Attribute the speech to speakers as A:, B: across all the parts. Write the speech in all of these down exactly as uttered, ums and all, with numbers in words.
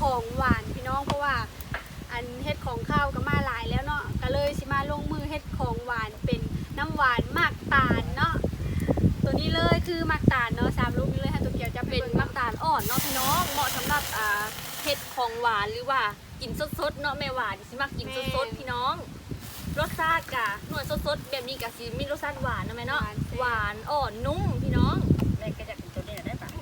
A: ของหวานพี่น้องเพราะว่าอันเฮ็ดของข้าวก็มาหลายแล้วเนาะก็เลยสิมาลงมือเฮ็ดของหวานเป็นน้ำหวานมากตาลเนาะตัวนี้เลยคือมากตาลเนาะสามลูกนี้เลยค่ะตัวเกียวจะ
B: เป็นมักตาลอ่อนเนาะพี่น้องเหมาะสำหรับอ่าเฮ็ดของหวานหรือว่ากินสดๆเนาะแม่หวานสิมักกินสดๆพี่น้องรสชาติกะหน่วยสดๆแบบนี้กะสิมีรสชาติหวานนะแม่เนาะหวานอ่อนนุ่มพี่น้อง
C: แม่ก็จะกินตัวนี้ได้ปะ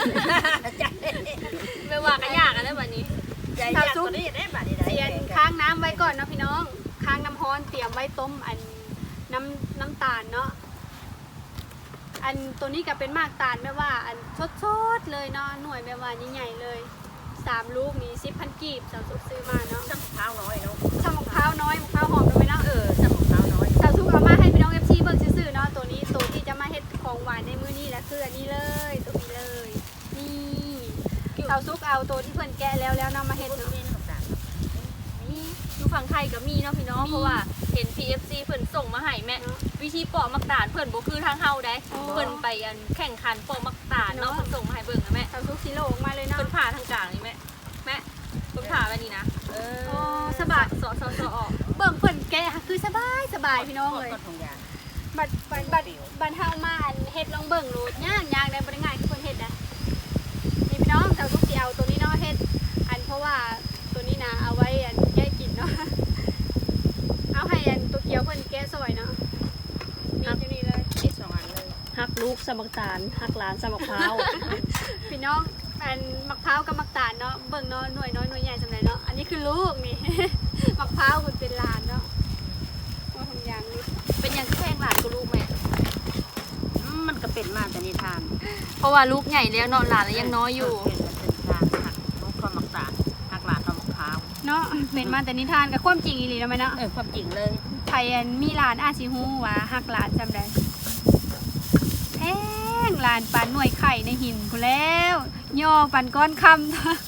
B: แม่ว่าก็ยากกันได้บัดนี้
C: ใจอยากตัวนี้ได้ปะนี่ได้
A: เสียนค้างน้ำไว้ก่อนเนาะพี่น้องค้างน้ำร้อนเตรียมไว้ต้มอันน้ำน้ำตาลเนาะอันตัวนี้ก็เป็นมากตาลแม่ว่าอันสดๆเลยเนาะหน่วยแม่ว่าใหญ่ๆเลยสามลูกนี้สิบพันกีบสาวซุกซื้อมาเนาะ
C: ช่างมะพร้าวน้อยเนาะ
A: ช่างมะพร้าวน้อยมะพร้าวหอมด้วยเนาะ
C: เออช่างมะพร้าวน้อย
A: สาวซุกเอามาให้พี่น้องเอฟซีเบิ่งซื่อๆเนาะตัวนี้ตัวที่จะมาเฮ็ดของหวานในมื้อนี้นะคืออันนี้เลยตัวนี้เลยนี่สาวซุกเอาตัวที่เพิ่นแกะแล้วแล้วเนาะมาเฮ็ดเนาะ
B: นี่อยู่ฝั่งไทยก็มีเนาะพี่น้องเพราะว่าเห็น พี เอฟ ซี เพิ่นส่งมาให้แม่วิธีปอกมักตาลเพิ่นบ่คือทางเฮาได้เพิ่นไปอันแข่งขันปอกมักตาลเนาะเพิ่นส่งมาให้เบิ่งนะแม่
A: สาวซุกสิโลออกมาเลยเนาะ
B: เพิ่นผ่าทางกลางนี่แม่แม่เพิ่นผ่าแบบนี้นะ
C: เออ
A: สบาย
B: สอสอสอออก
A: เบิ่งเพิ่นแกะคือสบายสบายพี่น้องเลยบัดบัดบัดบัดเฮามาอันเฮ็ดลองเบิ่งโลดย่างย่างได้บ่ได้ง่ายคือเพิ่นเฮ็ดนะนี่พี่น้องสาวซุกสิเอาตัวนี้เนาะเฮ็ดอันเพราะว่าตัวนี้นะเอาไว้อันแก้กินเนาะเอาให้อันตัวเกียวเพิ่นแกะซอยเนาะนี่อยู่นี่เลย
C: คิดสองอันเลย
B: หักลูกสมักตาลหักหลานสมักพร้าว
A: พี่น้องอันมะพร้าวกับมะตาลเนาะเบิ่งเนาะหน่วยน้อยหน่วยใหญ่สำหรับเนาะอันนี้คือลูกนี่ มะพร้าวมันเป็นลานเนาะว่าทำยางนี่
B: เป็นยังแข้งหลานกับลูกแม่
C: มันก็เป็นมาแต่นิทาน
B: เพราะว่าลูกใหญ่แล้วเนาะหลานแล้วยังน้อยอยู่
C: เป็นทางหักลูกความมักตาลหักหลานความมะพร้าว
A: เนาะเป็นมาแต่นิทานกับความจริงอีหลีแล้วไหมเนาะ
C: เออความจริงเลย
A: ไทยอันมีหลานอาชิฮูว่าหักหลานจำได้แห้งหลานปันหน่วยไข่ในหินกูแล้วย่อปันก้อนคำ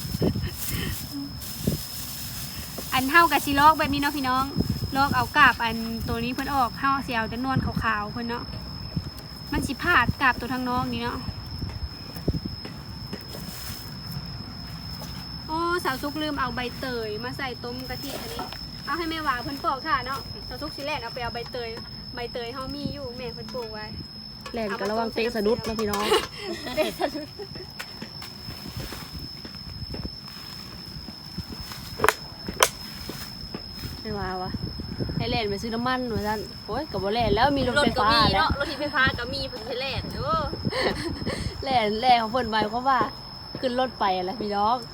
A: อันเท่ากับซีลอกแบบนี้เนาะพี่น้องลอกเอากาบอันตัวนี้เพิ่นออกเท่าเสียวจะนวลขาวๆเพิ่นเนาะมันสิพาดกาบตัวทางน้องนี่เนาะโอ้สาวซุกลืมเอาใบเตยมาใส่ต้มกะทิอันนี้เอาให้แม่หวาเพิ่นปอกค่ะเนาะสาวซุกสิแลกเอาไปเอาใบเตยใบเตยเฮามีอยู่แม่เพิ่นปลูกไว้
B: แล่นกันระวังเตะสะดุดนะพี่น้อง
A: เตะสะดุด
B: ไม่ว่าวะให้แล่นไปซื้อน้ำมันเหมือนกันโอ้ยกับบ่แล่นแล้วมีรถไฟฟ้าแล้วรถไฟฟ้าก็มีเพิ่นให้แล่นเด้อแล่นแล่นของเพิ่นไว้เพราะว่าขึ้นรถไปอะไรพี่น้อง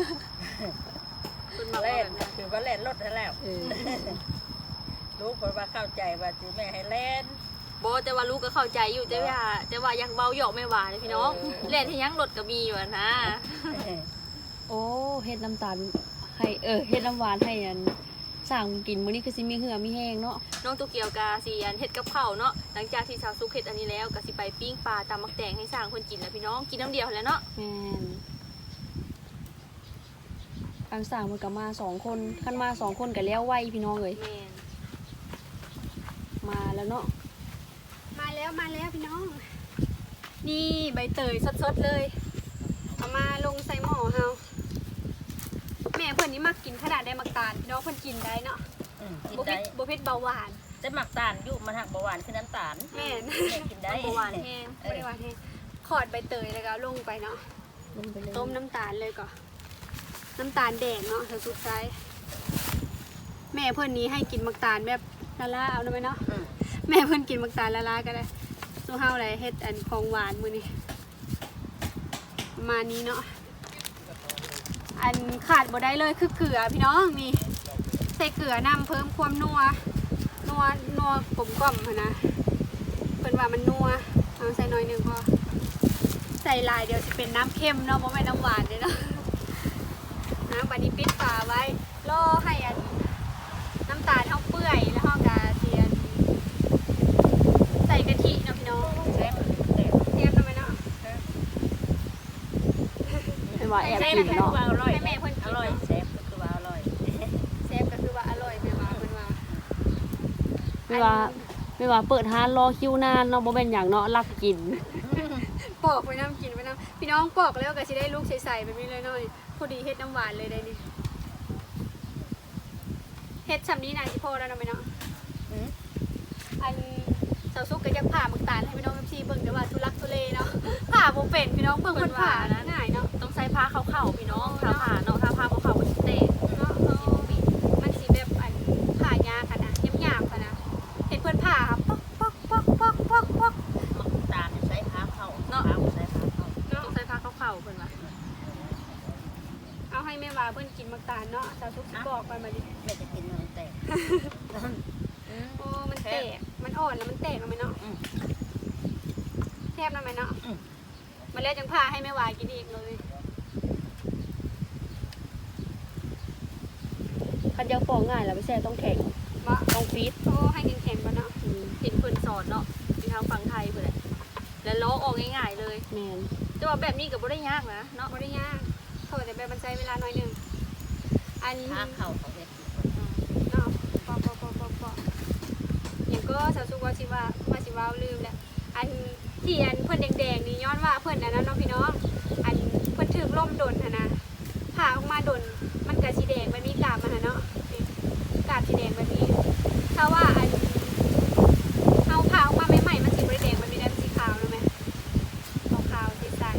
C: คุณมาเล่นคือว่าเล่นรถแล้วลูกคนว่าเข้าใจว่าจีแม่ให้เล่น
B: โบแต่ว่าลูกก็เข้าใจอยู่แต่ว่าแต่ว่ายังเบาหยอกไม่หวานเลยพี่น้องเล่นที่ยังรถก็มีอยู่นะโอ้เฮ็ดน้ำตาลให้เออเฮ็ดน้ำหวานให้อันสั่งกินมื้อนี้คือสิมีเหือมีแห้งเนาะน้องตัวเกียวกาสิอันเฮ็ดกับข้าวเนาะหลังจากที่สาวซุกเฮ็ดอันนี้แล้วก็สิไปปิ้งปลาตำมักแตงให้สั่งคนกินแล้วพี่น้องกินน้ำเดียวแล้วเนาะแม่นอันสั่งมันก็มาสองคนคันมาสองคนก็แล้วไวพี่น้องเลยแม่นมาแล้วเนาะ
A: มาแล้วมาแล้วพี่น้องนี่ใบเตยสดๆเลยเอามาลงใส่หม้อเฮาแม่เพื่อนนี่มักกินขนาดได้มักตาลพี่น้องเพื่อนกินได้เนาะบุพิษบุพิษเบาหวาน
C: แต่มักตาลอยู่มันหักเบาหวานคือน้ำตาล
A: แม่
C: กินได้
A: เบาหวานแห้งไม่ได้หวานแห้งขอดใบเตยเลยก็ลงไปเนาะต้มน้ำตาลเลยก่อนน้ำตาลแดงเนาะเธอสุดท้ายแม่เพื่อนนี้ให้กินมักตาลแบบละลาเอาได้ไหมเนาะแม่เพื่อนกินมักตาลละลาก็ได้สู้เฮาอะไรเฮ็ดอันของหวานมื้อนี้ประมาณนี้เนาะอันขาดบ่ได้เลยคือเกลือพี่น้องนี่ใส่เกลือนำเพิ่มความนัวนัวนัวกลมกล่อมนะเพิ่นว่ามันนัวเอาใส่น้อยนึงพอใส่ลายเดี๋ยวสิเป็นน้ำเค็มเนาะบ่แม่นน้ำหวานเด้เนาะน้ำบัดนี้ปิดฝาไว้รอให้อันน้ำตาลเฮาเปื่อยแล้วเฮาก็สิอันใส่กะทิเนาะพี่น้องเชฟเชฟทำไมเนาะ
B: เป็นว่าแอบกินเนาะ
A: ให้แม่เพิ่นกิน
C: อร่อยเชฟก็คือว่าอร่อย
A: เชฟก็คือว่าอร่อยแม่ว่าเพิ่นว่า
B: ไม่ว่าไม่ว่าเปิดร้านรอคิวนานเนาะบ่แม่นหยังเนาะรักกิน
A: ปอกไปน้ำกินไปน้ำพี่น้องปอกแล้วก็สิได้ลูกใสๆแบบนี้เลยหน่อยพอดีเฮ็ดน้ำหวานเลยได้นี่เฮ็ดชำนี้นายสิพอแล้วนะแม่เนาะ
C: อืม
A: อันเสาซุกก็จะผ่าหมึกตาลให้พี่น้องเอฟซีเบิ่งแต่ว่าทุลักทุเลเนาะผ่าบ่เป็นพี่น้องเบิ่งเพิ่นผ่านะง่ายเนาะ
B: ต้องใส่ผ้าเข้าๆพี่น้องถ้าผ้าเนาะถ้าผ้าบ่เข้ามันสิเตะ
A: เนาะเออมันสิแบบอันผ่ายากค่ะนะหยาบๆค่ะนะเห็นเพิ่นผ่าป๊อกป๊อกป๊อกป๊อกป๊อกป๊อก
C: มักตาลใส่ผ้าเข้าเนาะใส่ผ้าเข้า
A: เนาะ
B: ต้องใส่ผ้าเข้าๆเพิ่นว่า
A: เอาให้แม่ว่าเพิ่นกินหมึกตาลเนาะเสาซุกสิบอกไปมาดิ
C: แม่จะกินมันแตก
A: โอ้มันแตกมันอ่อนแล้วมันแตกแล้วไหมเนาะแทบแล้วไหมเนาะมาแล้วจังผ่าให้แม่ว่ากินอีกเลย
B: คันยังปอกง่ายแล้วไม่ใช่ต้องแข็ง
A: ว่า
B: ต้องฟีด
A: โอ้ให้แข็งๆก่อนเนาะ
B: เห็นเพิ่นสอนเนาะที่ทางฝั่งไทยเพิ่นแหละแล้วล้อออกง่ายๆเลยแม่นแต่ว่าแบบนี้ก็บ่ได้ยากนะเนาะ
A: บ่ได้ยากโทษแต่แบบมันใช้เวลาน้อยหนึงอัน
C: ผ้าเข้าเขาเฮ็ด
A: เนาะปอปอปอปอปออย่างก็สาวสุกว่าสิว่าว่าสิว่าลืมแหละอันที่อันเพิ่นแดงๆนี่ย้อนว่าเพิ่นอันนั้นเนาะพี่น้องอันเพิ่นถึกล่มดนหั่นนะผ่าออกมาดนมันก็สีแดงแบบนี้กาบมันน่ะเนาะนี่กาบสีแดงแบบนี้ ถ้าว่าอันเอาผ่าออกมาใหม่ๆมันสีบ่ได้แดงมันมีแต่สีขาวรู้ไหมขาวๆสีใส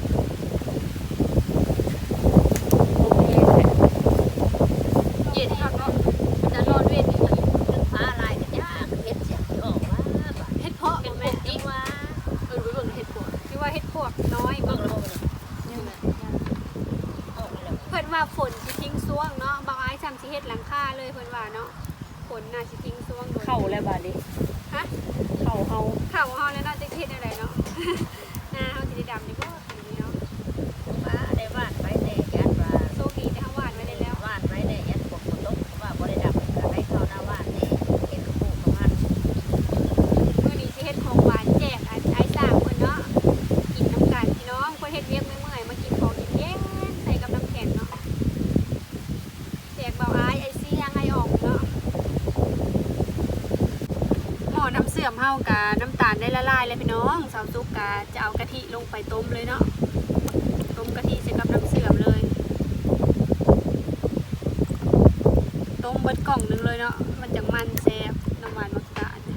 B: เย็นคักเนาะมันจะร้อนเวทนี่มัน
C: ผ้าลายกันยากเฮ็ดเสียงออกว่าบาด
A: เฮ็ดเพาะ
B: เป็น
A: บ่
B: ป
A: แม่
B: กติว่าเออไปเบิ่งเฮ็ดปวด
A: ที่ว่าเฮ็ดพวกน้อย
C: เบิ่
A: เบิ่
C: ง
A: ง
C: แล้วบ่เนี่ย
B: นี่แหละ
C: ออกแล้ว
A: เพิ่นว่าฝนสิทิ้งซ่วงเนาะบางอ้ายซ้ำสิเฮ็ดหลังคาเลยเพิ่นว่าเนาะฝนน่าสิทิ้งซ่วงโดน
B: เข้าแล้วบาดนี้
A: ฮะ
B: เข้าเฮา
A: เข้าเฮาแล้วเนาะจะเฮ็ดอะไรเนาะ หน้าเฮาสิได้ดำนี่บ่คันนี้เนาะ
C: ว่าได้วาดไว้ในยัดว่า
A: โชคดีที่เฮาวาดไว้ได้แล้ว
C: วาดไว้ในยัดปกบนโต๊ะว่าบ่ได้ดับก็ให้เข้าหน้าวาดนี่เฮ็ดกระปุกประมาณ
A: มื้อนี้สิเฮ็ดของหวานแจกอ้ายอ้ายสร้างเพิ่นเนาะกินน้ำกันพี่น้องเพิ่นเฮ็ดเวียกเมื่อยๆมากินของเย็นๆใส่กับน้ำแข็งเนาะแจกเบาอ้ายไอ้ซี่ยังไงออกเนาะ หม้อน้ำเสื่อมเฮากะน้ำตาลได้ละลายเลยพี่น้องสาวซุกกะจะเอากะทิลงไปต้มเลยเนาะต้มกะทิใส่กับน้ำเสื่อมเลยต้มเบิดกล่องหนึงเลยเนาะมันจังมันแซ่บน้ำหวานมักตาล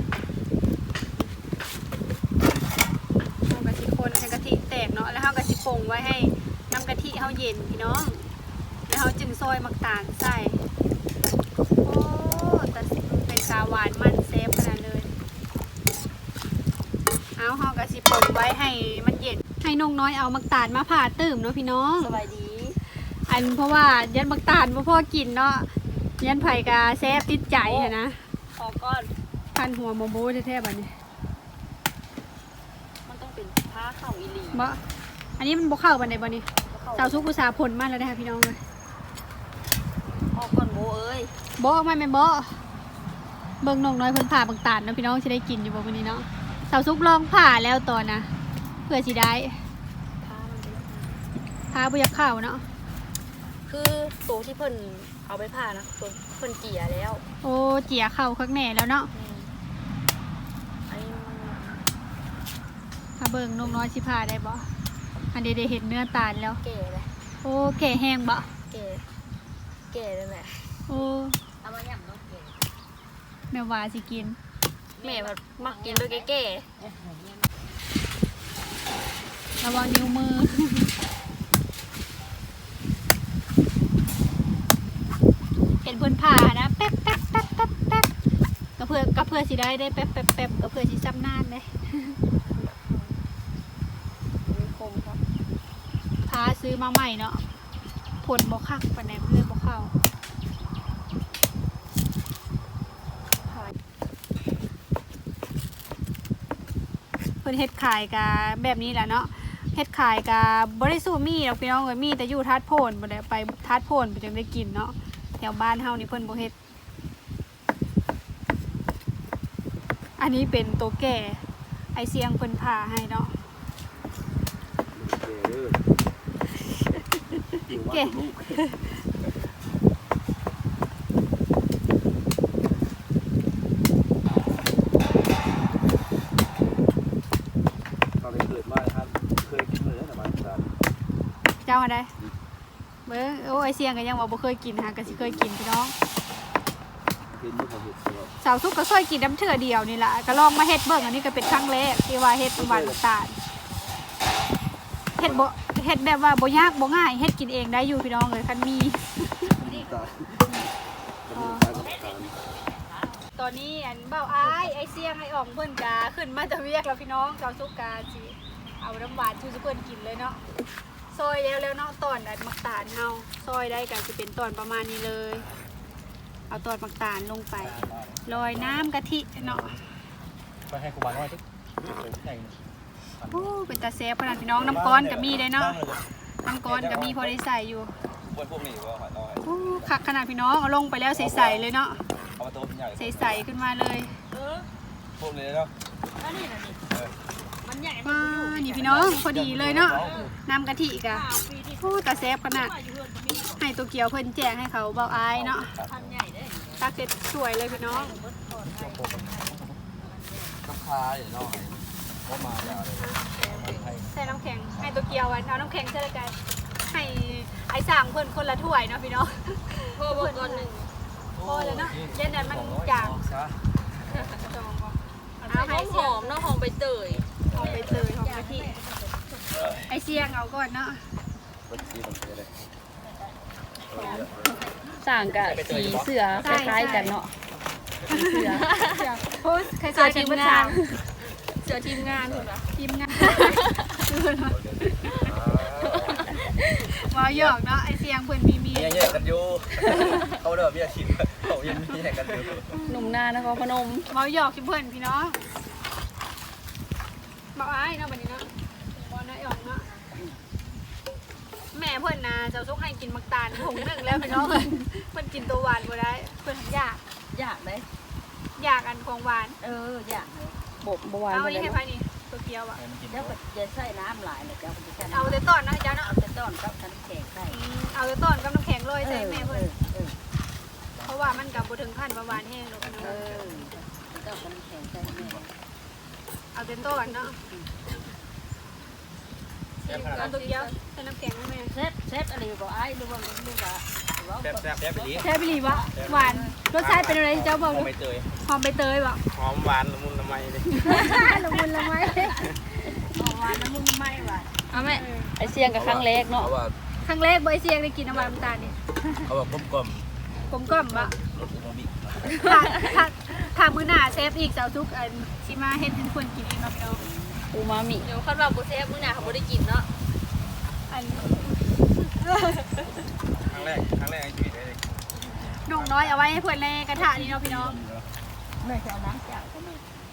A: เฮากะทิคนให้กะทิแตกเนาะแล้วเฮากะทิปรุงไว้ให้น้ำกะทิเฮาเย็นพี่น้องแล้วเฮาจึงซอยมักตาลใส่โอ้แต่เป็นกาหวานมันแซ่บขนาดเลย เอาเฮากะสิปนไว้ให้มันเย็นให้นงน้อยเอามักตาลมาผ่าตื่มเนาะพี่น้อง
B: สบายดี
A: อันเพราะว่ายันมักตาลบ่พอกินเนาะยันไผกะแซ่บติดใจอะนะ
B: ออกก้อน
A: พันหัวโมโบแท้ๆบัดนี้
B: มันต้องเป็นผ้าเข้าอีหลี
A: บ่อันนี้มันบ่เข้าบันไดบ่นี่
B: เข้า
A: สาวสุกอุตสาห์ผลมาแล้วนะคะพี่น้องเลย
B: ออกก้อนโบเอ้ย
A: บ่ออกมาแม่นบ่เบิ่งนงน้อยเพิ่นผ่ามักตาลเนาะพี่น้องสิได้กินอยู่บ่มื้อนี้เนาะสาวสุกลองผ่าแล้วตอนนะเพื่อสิได้
B: ผ้ามันเป็น
A: ผ่าบ่อยากเข้าเนาะ
B: คือตัวที่เพิ่นเอาไปผ่านะตัวเพิ่นเกลี่ยแล้ว
A: โอ้เจียเข้าคักแน่แล้วเนาะ
B: อืมอันนี้มัน
A: ถ้าเบิ่งนงน้อยสิผ่าได้บ่อันนี้ได้เห็นเนื้อตาลแล้ว
B: แก่เลย
A: โอ้แก่แห้งบ่
B: แก่แก่เลยแม่
A: โอ้
C: เอามาย่ำต้องเก่ง
A: แม่ว่าสิกิน
B: แม่แบบมักกินโดยแก่
A: ระวังนิ้วมือ เห็นเพิ่นผ่านะแป๊บแป๊บแป๊บแป๊บแป๊บก็เพื่อก็เพื่อสิได้ได้แป๊บแป๊บแป๊บก็เพื่อสิซ้ำนานเลย
B: ๆมีคมครับ
A: พาซื้อมาใหม่เนาะผลบ่คักปานใดเลยบ่เข้า
B: ผ่า
A: เพิ่นเฮ็ดขายกะแบบนี้แหละเนาะเฮ็ดขายกะบ่ได้สู้มีดอกพี่น้องเอ้ยมีแต่อยู่ทัดโพนบ่ได้ไปทัดโพนบ่จังได้กินเนาะแถวบ้านเฮานี่เพิ่นบ่เฮ็ดอันนี้เป็นตัวแก่ไอเสียงเพิ่นผ่าให้เนาะ
D: เก่ตอนเกิดมาครับเคยกินเลยแต่มาสาม
A: เจ้าอะไรเบ้อโอ้ไอเสียงก็ยังว่าบ่เคยกินฮะก็สิเคยกินพี่น้อง
D: เห็นบ่เขาเห็ดตลอด
A: สาวสุกก็เคยกินน้ำเถื่อเดียวนี่แหละก็ลองมาเฮ็ดเบิ่งอันนี้ก็เป็นครั้งแรกที่ว่าเฮ็ดหวานน้ำตาลเฮ็ดบ่เฮ็ดแบบว่าบ่ยากบ่ง่ายเฮ็ดกินเองได้อยู่พี่น้องเลยคันมี
D: น้ำตาลกับน้ำตาลกับน้ำตาล
A: ตอนนี้อันเบ้าอ้ายไอเสียงไออ่องเพิ่นกาขึ้นมาจะเวียกแล้วพี่น้องสาวสุกกาสิเอาน้ำหวานชูสุเพิ่นกินเลยเนาะซอยแล้วแล้วเนาะตอนอันมักตาลเฮาซอยได้ก็สิเป็นตอนประมาณนี้เลย เอาตอนมักตาลลงไปโรยน้ำกะทิเนาะ
E: ไปให้ครูบาน้อยทุกใหญ่
A: โอ้เป็นตาแซ่บขนาดพี่น้องน้ำก้อนก็มีได้เนาะน้ำก้อนก็มีพอได้ใส่อยู่
E: บนพวกนี้ว่าหอยน้อย
A: โอ้คักขนาดพี่น้องเอาลงไปแล้วใสๆเลยเนาะ
E: เอามาตัวเป็นใหญ่
A: ใสๆขึ้นมาเลย
E: พวกนี้เนาะ
A: ว้านี่พี่น้องพอดีเลยเนาะน้ำกะทิกะโอ้ตาแซ่บขนาดให้ตัวเกียวเพิ่นแจกให้เขาเบาอายเนาะตาเสร็จสวยเลยพี่น้อง
E: กับคาอย่างน้อยก็มาแล้วเลย
A: ใส่น้ำแข็งให้ตัวเกียวอันเอาน้ำแข็งใส่ละกันให้ไอ้สั่งเพิ่นคนละถ้วยเนาะพี่น้อง
B: พ่อบอกก่อนหนึ่ง
A: พอแล้วเนาะเย็นนั้นมันจางจองบ่
B: เอา
A: เอา
B: ห
A: ให้
B: อมห
A: เสีย
B: อง มเนาะหอมใบเตย
A: หอมใบเตยหอมกะทิไอเสียงเอาก่อนเนาะ
D: บัญชีของเธอเลย
B: ต่างกับสีเสือคล้ายๆกันเนาะเสือ
A: โอ้ยใคร
B: เสื
A: ใส่
B: อ
A: ที
B: ที
A: ม
B: ม
A: งาง
B: าน นเสือทีมงานถูกปะ
A: ทีมงานมาหยอกเนาะไอเสียงเพิ่นมีมี
E: เมียแยกกันอยู่เขาเด้อเมียชิมเขายังมีแยกกันอยู่
B: หนุ่มนานครพนม
A: มาหยอกชิเพิ่นพี่น้องมาอ้ายเนาะบัดนี้เนาะบ่น้อยอ่องเนาะแม่เพิ่นน่ะเจ้าซุกให้กินมักตาลถุงหนึงแล้วพี่น้องเพิ่นเพิ่นกินตัวหวานบ่ได้เพิ่นอยาก
C: อยากเลย
A: อยากอันของหวาน
C: เอออยากเลย
B: บบบัวาน
A: เอา
B: ไป
A: อัน
B: เล
A: นี้
B: ย
A: ให้ไผนี่ตัวเกียวอ่ะ
C: เดี๋ยวก็จะใส่น้ำหลายเลยเดี๋ยวก็จะใส่น้ำ
A: เอาแต่ต้นนะเจ้าเนาะ
C: เอาแต่ต้นกับน้ำแข็งใส่
A: อืมเอาแต่ต้นกับน้ำแข็งโรยใส่แม่เพิ่น
C: เออ
A: เพราะว่ามันกับบ่ถึงขั้นประหวานแห้งหรอกพี่น้
C: เอ
A: อง
C: อต้นกับน้ำแข็งใส่แม่
A: เอาแต่ต้นเนาะเอาตัวเกียวใส่น้ำแข็งให้แม่
C: เซฟเซฟอะไรบอกไอ้ดูว่าดูว่าว่า
E: แซ่บแซ่บแซ่บไปดี
A: แซ่บอีหลีวะหวานรสชาติเป็นอะไรเจ้าบอก
E: หอม
A: ดู
E: ใบเตย
A: หอมใบเตยบ่
E: หอมหวานละมุนละไมเลย
A: ละมุนละไมหอมหวานละมุนละไมหวาน
B: เอาแม่ไอเสียงกับครั้งเล็กเนาะ
E: เขาว่า
A: ครั้งแรกบ่ไอเสียงได้กินน้ำหวานน้ำตาลนี่
E: เขาว่ากลมกลม
A: กลมกล่อมบ่
E: รสอูมามิ
A: ถ้าถ้าถ้ามื้อหน้าเซฟอีกเจ้าทุกอันสิมาเฮ็ดให้ทุกคนกินเองเนาะพี่น้อง
B: อูมามิ
F: เดี๋ยวคันว่าบุเซฟมื้อหน้าเขาบ่ได้กินเนาะ
A: อัน
E: ครั้งแรกครั้งแรกในชีวิตเลย
A: น้องน้อยเอาไว้ให้เพื่อนในกระทะนี่เนาะพี่น้อง
C: แม่จะเอาน้ำจากก็แม่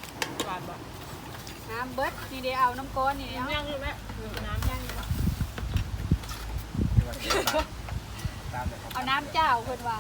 A: น้ำเบิดนี่เดี๋ยวเอาน้ำก้อนนี่เดี๋ยว
F: ยังอยู่แม่
A: น้ำยังอยู่บ่
E: ตามเลยครับ
A: เอาน้ำเจ้าเพิ่นว่า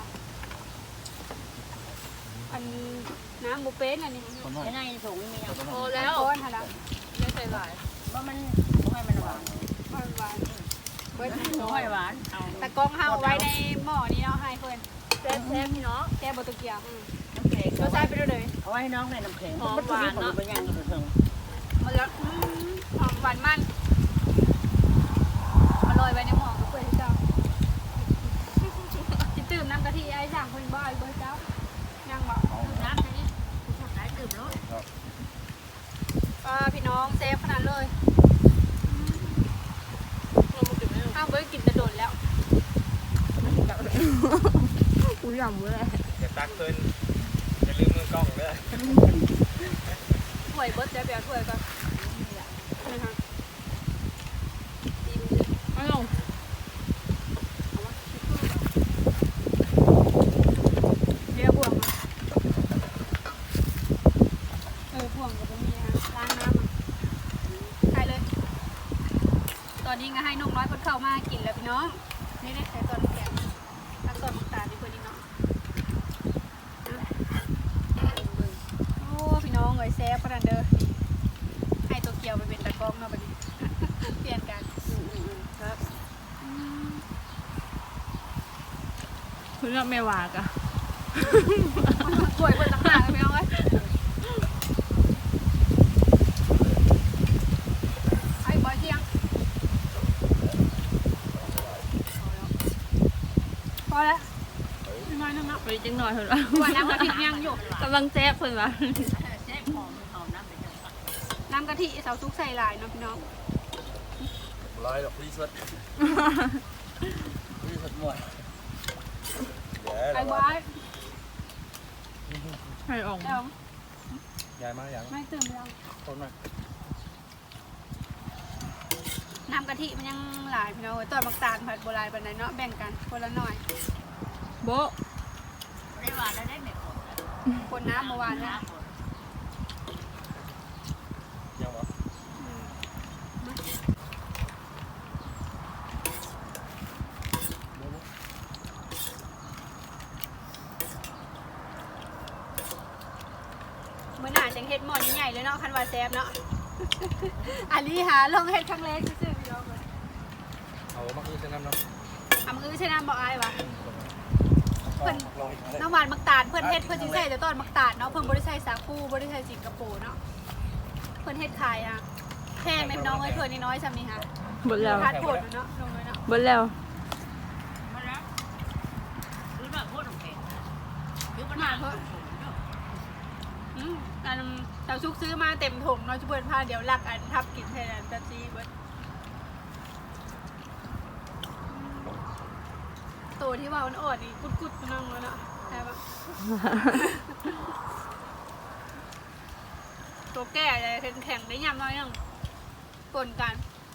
A: อันน้ำบุเป็นอันนี้
C: ไอ้ในถุงมีอย่าง
F: พอแล้ว
A: ก้อนค่ะนะ
F: ไม่ใส่หลาย
C: ว่ามันให้มันหวาน
A: ก้อนหวานเบิด
C: ให้หวานเอา
A: แต่กล้องเฮาเอาไว้ในหม้อนี้เนาะให้เพิ่น
F: แซ่บแซ่บพี่น้อง
A: แก้บ่ตะเกียบ
C: น้ำแข็ง
A: รสชาติไปด้วยเลย
C: เอาไว้ให้น้องในน้ำแข็งมันหวานเนาะไปย่างอยู่ถึง
A: มันแล้วอืมหอมหวานมันมาโรยไว้ในหม้อก็เปิดให้เจ้าสิตื่มน้ำกะทิไอ้สั่งเพิ่นบ่เอาเบิ่เจ้ายังบ่
C: น้ำนี้ได้ดื่มแล้ว
A: อ่าพี่น้องเซฟขนาดเลย
F: เรามากินไม่ได้
A: ข้าวเบิร์กินจะโดนแล้ว
B: อุ้ยหย่ำเลย
E: อย่าตักเพิ่นอย่าลืมมือกล้องเด้อ
A: ถ้วยเบิร์ดจะไปเอาถ้วยก่อนนี่ค่ะ
B: ไม่ลง
A: เดี๋ยวบ่วงมาเออบ่วงกับมีนะล้างน้ำอ่ะใส่เลย ตอนนี้ก็ให้นกน้อยเพิ่นเข้ามากินแล้วพี่น้องนี่ได้ใส่ตอนแกงแล้วตอนน้ำตาลนี่เพิ่นนี่เนาะโอ้พี่น้องเอ้ยแซ่บขนาดเด้อให้ตัวเกียวไปเป็นตะกร้องเนาะบัดนี้ เปลี่ยนกันครับ
B: เพื่อไม่วากอะ
A: ถ้วยเพิ่นต่างหากเลยพี่น้องเอ้ยไอ้บอยเที่ยงอแล้วน้อยนึงเนาะ
B: ไปจังหน่อยเถอะ
A: ว่าน้ำกะทิยังอยู่
B: กำลังแซ่บเพิ่นว่า
A: น้ำกะทิเสาซุกใส่หลายเนาะพี่น้อง
E: ร้อยดอกรีสวดรีสวดหมดเดี๋ยว
A: ไอ้
E: เรา
A: บ้า
B: ให้ออก
A: เดี๋ยว
E: ย้ายมาอย่าง
A: ไม่ตื่นแล้ว
E: ต้นมา
A: น้ำกะทิมันยังหลายพี่น้องเอ้ยตอนบักตาลผัดโบราณปันไหนเนาะแบ่งกันคนละหน่อย
B: โบะ
C: ได้หวานแล้วได้ไหม
A: คนน้ำเมื่อวานเนี่ย
E: ยังวะ
A: เมื่อหน้าจังเฮ็ดหม้อใหญ่ๆเลยเนาะคันว่าแซ่บเนาะ อันนี้หาลองเฮ็ดครั้งแรกซื่อๆพี่น้องเลย
E: เอามาคือเส้นน้ำเนาะ
A: ทำคือใช่น้ำบอกอายวะ เพิ่น
E: ลองอีกครั้ง
A: น้ำหวานมักตาลเพิ่นเฮ็ดเพิ่นสิใส่แต่ตอนมักตาลเนาะเพิ่นบ่ได้ใส่สาคูบ่ได้ใส่สิงคโปร์เนาะเพิ่นเฮ็ดขายอ่ะแพงแม่น้องเอ้ยถ้วยน้อยๆซ้ำนี่ค่ะ
B: เบิดแล้ว
A: ทานโพดเนาะลงเลยเนาะ
B: เบิดแล้ว
A: มาเพิ่นอืมอันเจ้าซุกซื้อมาเต็มถุงเนาะจุเพิ่นพาเดี๋ยวลักอันทับกินแทนอันแป๊บซี่เบิดโตที่ว่าอ่อนๆนี่กุดๆนั่งเลยเนาะใช่ปะ ตัวแก่เลยแข็งๆได้ยำน้อยนึงปนกัน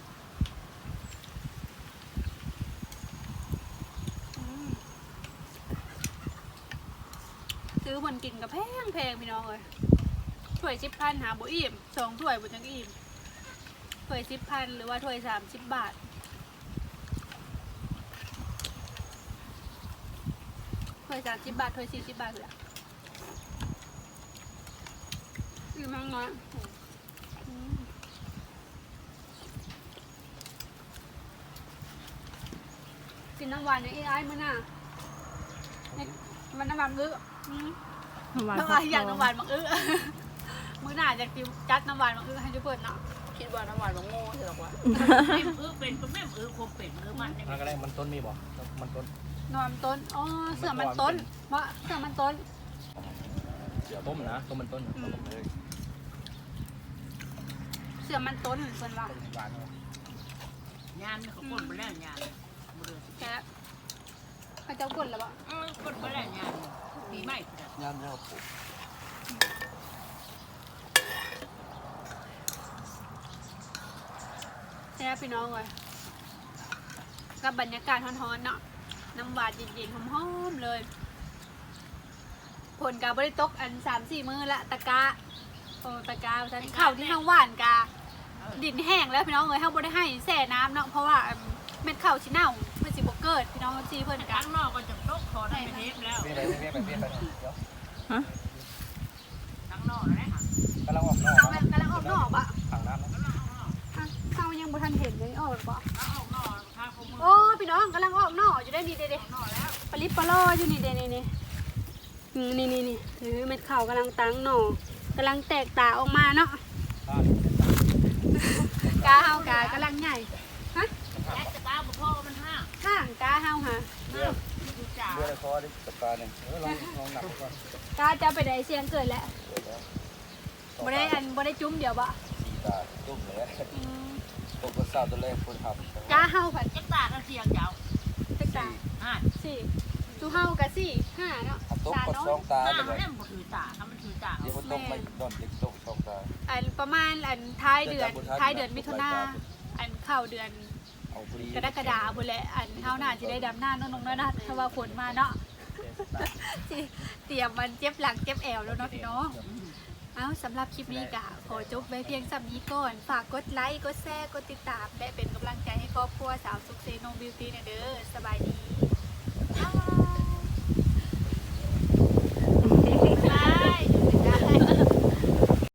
A: อืมซื้อมันกินกับแพงแพงพี่น้องเลยถ้วยสิบพันหาบุอิ่มสองถ้วยบุจังอิ่มถ้วยสิบพันหรือว่าถ้วยสามสิบบาทถ้วยสามสิบบาทถ้วยสี่สิบบาทเลยอิ่มมากน้อยอืมกินน้ำหวานอย่างไอ้ไอ้มื้อน่ะเนี่ยมันน้ำหวานมื้ออืม น้ำหวานอย่างน้ำหวานมังอื้อ มื้อหน้าจะกินจัดน้ำหวานมังอื้อให้ทุกคนเนาะ
C: คิดว่าน้ำหวานมันโง่ใช่หรอวะ
E: มาก็ได้มันต้นมีบ่มันต้น
A: นอนต้นอ๋อเสือมันต้นวะเสือมันต้น
E: เดี๋ยวต้มนะต้มมันต้นต้มเลย
A: เสือมันต้นเพิ่นว่า
E: ต้มหวานเนาะ
C: ยามเขาปนไปแล้วยาม
A: แค่พระเจ้ากดแล้วบ่
C: ปนไปแล้วยามปีใหม่
D: ย่ามเนี่ยปลูก
A: แค่พี่น้องเลยกับบรรยากาศร้อนๆเนาะน้ำหวานเย็นๆหอมๆเลยผลกาบริตกอันสามสี่มื้อละตะกาโอ้ตะกาฉันข้าวที่ข้างหวานกาดินแห้งแล้วพี่น้องเลยเขาบ่ได้ให้แช่น้ำเนาะเพราะว่าเม็ดข้าวชิเน่ามันสิบ่เกิดพี่น้องซีเพิ่นกัน
C: ข้างนอกก็จะตกคอได้เทปแล้ว
E: เบี้ยไปเบี้ยไปเบี้ยไปเดี๋ยว
C: ข้างนอกนะ
E: กำลังออกนอก
A: เอาแม่กำลังออกนอกปะ
E: ถังน้ำนะ
A: อ่ะเขายังบ่ทันเห็นเลยออกหรือเปล่า
C: ออกนอกข้างขมือ
A: โอ้พี่น้องกำลังออกนอกอยู่ได้ดีเด้ๆปลิปปลออยู่นี่เด้นี่นี่อืมนี่นี่นี่ถือเม็ดข้าวกำลังตั้งหน่อกำลังแตกตาออกมาเนาะกาเฮากากำลังใหญ่ฮะ
C: แอสตาบุพ่อมันห้า
A: ข้างกาเฮาฮะ
E: เบี้ย
C: ดูจ่า
E: เบี้ยในคอดิจับตาหนึ่งเออลองลองหนักก่อน
A: กาจะไปได้เสียงเกิดแล้วบ่ได้อันบ่ได้จุ้มเดี๋ยวบ่
E: สี่ตาตุ้มเลย
A: อืม
E: ตกกระซ่าตัวแรกคนทำ
A: กาเฮาผัด
C: จักตาก็เสียงยาว
A: แตกตา
C: ห้า
A: สี่จูเฮากะสี่ห้าเนาะ
E: ตก
A: ตาก
E: ด
A: น้อ
E: สอง
A: ย
E: ตา
C: ห้า
E: เล
C: มัน
E: ย
C: เล่นมันถือตาถ้ามันถือตา
E: เดี๋ยวมันตกไม่ดอนเด็กตกสองตา
A: อันประมาณอันท้ายเดือนท้ายเดือนมิถุนาอันเข้าเดือน
E: เอาพอดี
A: กรกฎาคมพุ่นแหละอันเฮาน่าสิได้ดำหน้าน้องๆน้อยๆถ้าว่าฝนมาเนาะ สิเตรียมมันเจ็บหลังเจ็บแอวแล้วเนาะพี่น้อง เอาสำหรับคลิปนี้กะขอจบไว้เพียงสำนี้ก่อน ฝากกดไลค์ กดแชร์ กดติดตาม และเป็นกำลังใจให้ครอบครัวสาวสุขเซโนบิวตี้เด้อสบายดี